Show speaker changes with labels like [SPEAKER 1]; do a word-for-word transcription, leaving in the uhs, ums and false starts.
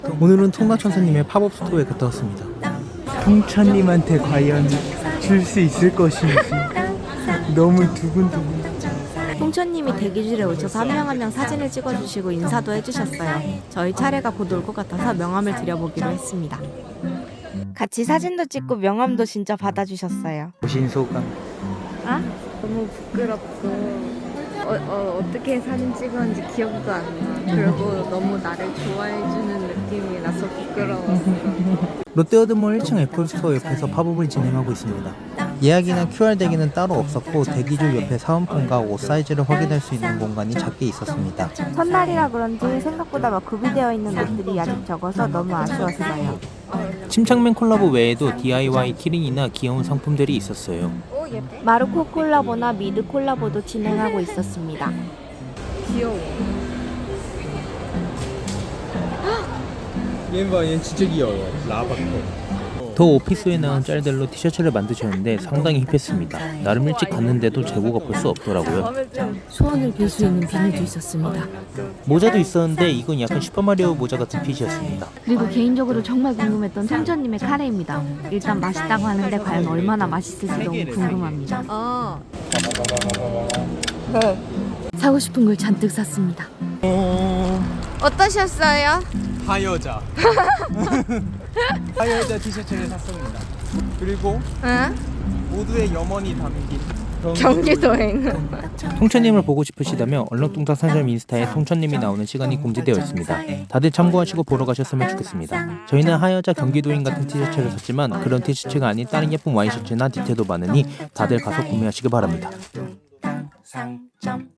[SPEAKER 1] 오늘은 통나천사님의 팝업 스토어에 갔다 왔습니다. 통천님한테 과연 줄 수 있을 것인지 너무 두근두근.
[SPEAKER 2] 통천님이 대기실에 오셔서 한 명 한 명 사진을 찍어주시고 인사도 해주셨어요. 저희 차례가 곧 올 것 같아서 명함을 드려보기로 했습니다. 같이 사진도 찍고 명함도 진짜 받아주셨어요.
[SPEAKER 1] 보신 소감?
[SPEAKER 2] 아? 너무 부끄럽고 어, 어, 어떻게 사진 찍었는지 기억도 안 나. 그리고 너무 나를 좋아해주는 느낌이 나서 부끄러웠어.
[SPEAKER 1] 롯데월드몰 일 층 애플스토어 옆에서 팝업을 진행하고 있습니다. 예약이나 큐알 대기는 따로 없었고 대기줄 옆에 사은품과 옷 사이즈를 확인할 수 있는 공간이 작게 있었습니다.
[SPEAKER 2] 첫날이라 그런지 생각보다 막 구비되어 있는 옷들이 아직 적어서 너무 아쉬웠어요.
[SPEAKER 1] 침착맨 콜라보 외에도 디아이와이 키링이나 귀여운 상품들이 있었어요.
[SPEAKER 2] 마르코 콜라보나 미드 콜라보도 진행하고 있었습니다.
[SPEAKER 3] 귀여워.
[SPEAKER 1] 얘 봐, 얘 진짜 귀여워. 라바코. 더 오피스에 나온 짤들로 티셔츠를 만드셨는데 상당히 힙했습니다. 나름 일찍 갔는데도 재고가 볼 수 없더라고요.
[SPEAKER 2] 소원을 빌 수 있는 비닐도 있었습니다.
[SPEAKER 1] 모자도 있었는데 이건 약간 슈퍼마리오 모자 같은 핏이었습니다.
[SPEAKER 2] 그리고 개인적으로 정말 궁금했던 통천님의 카레입니다. 일단 맛있다고 하는데 과연 얼마나 맛있을지 너무 궁금합니다.
[SPEAKER 3] 어.
[SPEAKER 2] 사고 싶은 걸 잔뜩 샀습니다. 어떠셨어요?
[SPEAKER 1] 하여자. 하여자 티셔츠를 샀습니다. 그리고
[SPEAKER 2] 응?
[SPEAKER 1] 모두의 염원이 담긴
[SPEAKER 2] 경기도행.
[SPEAKER 1] 통천님을 보고 싶으시다면 얼렁뚱땅 상점 인스타에 통천님이 나오는 시간이 공지되어 있습니다. 다들 참고하시고 보러 가셨으면 좋겠습니다. 저희는 하여자 경기도인 같은 티셔츠를 샀지만 그런 티셔츠가 아닌 다른 예쁜 와이셔츠나 디테일도 많으니 다들 가서 구매하시기 바랍니다.